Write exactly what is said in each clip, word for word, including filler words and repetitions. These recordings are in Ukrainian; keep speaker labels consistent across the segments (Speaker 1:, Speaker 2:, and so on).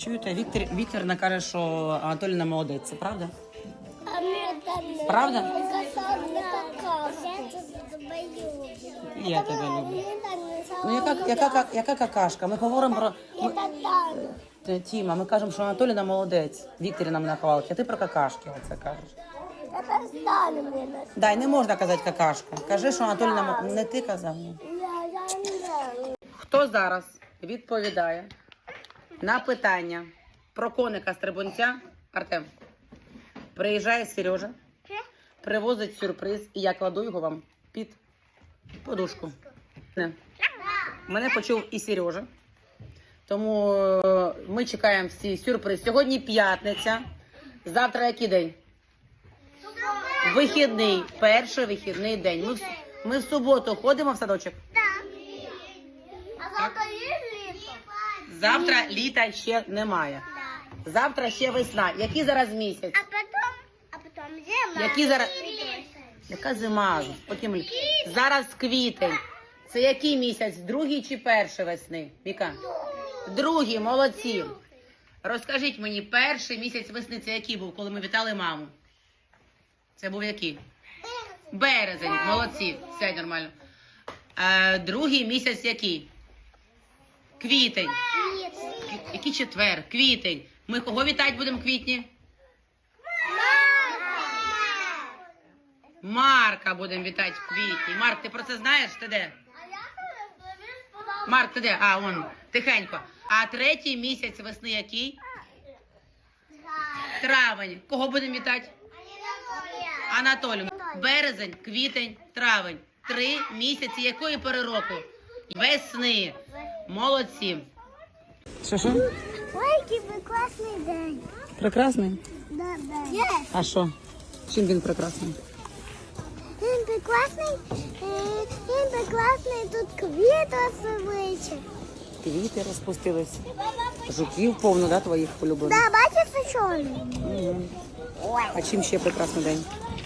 Speaker 1: Чуєте, Віктор, Вікторівна каже, що Анатоліна молодець, це правда? Правда? Я тебе люблю. Ну яка, яка, яка какашка? Ми говоримо про... Ми... Тіма, ми кажемо, що Анатоліна молодець. Вікторівна мене хвалить, а ти про какашки оце кажеш. Дай, не можна казати какашка. Кажи, що Анатоліна... Не ти казав? Хто зараз відповідає на питання про коника-стрибунця? Артем, приїжджає Сережа, привозить сюрприз, і я кладу його вам під подушку. Не. Мене почув і Сережа, тому ми чекаємо всі сюрприз. Сьогодні п'ятниця, завтра який день? Вихідний, перший вихідний день. Ми в, ми в суботу ходимо в садочок?
Speaker 2: Так. А завтра є літо?
Speaker 1: Завтра літа ще немає. Завтра ще весна. Який зараз місяць?
Speaker 2: А потім, а потім зима.
Speaker 1: Який зараз... Яка зима? Потім... лі- Зараз квітень. Це який місяць? Другий чи перший весни? Віка? Другий, молодці. Розкажіть мені, перший місяць весни це який був, коли ми вітали маму? Це був який? Березень. Молодці. Все нормально. А другий місяць який? Квітень. Кві- Який четвер? Квітень. Ми кого вітати будемо в квітні? Марка будемо вітати в квітні. Марк, ти про це знаєш? Ти де? Марк, ти де? А, он, тихенько. А третій місяць весни який? Травень. Кого будемо вітати? Анатолію. Березень, квітень, травень. Три місяці якої пори року? Весни. Молодці. Що, що?
Speaker 2: Ой, який прекрасний день.
Speaker 1: Прекрасний?
Speaker 2: Да, да. Є.
Speaker 1: А що? Чим він прекрасний?
Speaker 2: Він прекрасний, е, він прекрасний, тут квіти особливі.
Speaker 1: Квіти розпустились. Жуків повно, да, твоїх улюблених?
Speaker 2: Да, бачиш, що чорний?
Speaker 1: Угу. А чим ще прекрасний день?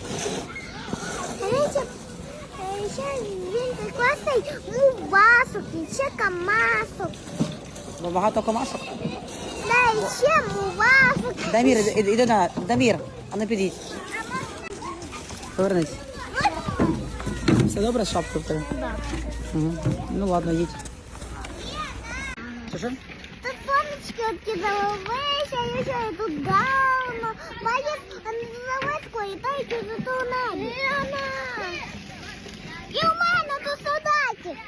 Speaker 2: Ще, е, ще він прекрасний мувасок, і ще камасок.
Speaker 1: Бо багато комашок?
Speaker 2: Да, і ще мувасок.
Speaker 1: Дамір, іди, іди, іди на. Дамір, а не підіть. Повернись. Все добре з шапкою в тебе?
Speaker 2: Да.
Speaker 1: Угу. Ну ладно, їдь. Що, що?
Speaker 2: Тут сонечки откидалися, і ще і тут гарно. Бачиш, заводку літають у зато небі. І у мене тут солдатик.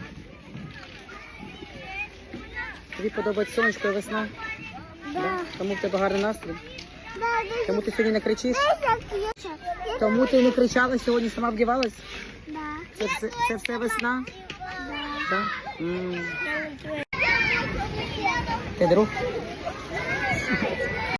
Speaker 1: Тобі подобається сонечко і весна?
Speaker 2: Да.
Speaker 1: Тому в тебе гарний настрій?
Speaker 2: Да, дивись,
Speaker 1: Тому ти сьогодні не кричиш?
Speaker 2: як є.
Speaker 1: Тому ти не кричала сьогодні, сама вдівалась?
Speaker 2: Да.
Speaker 1: Це, все- це все весна?
Speaker 2: Да.
Speaker 1: Так? М. Ти друг?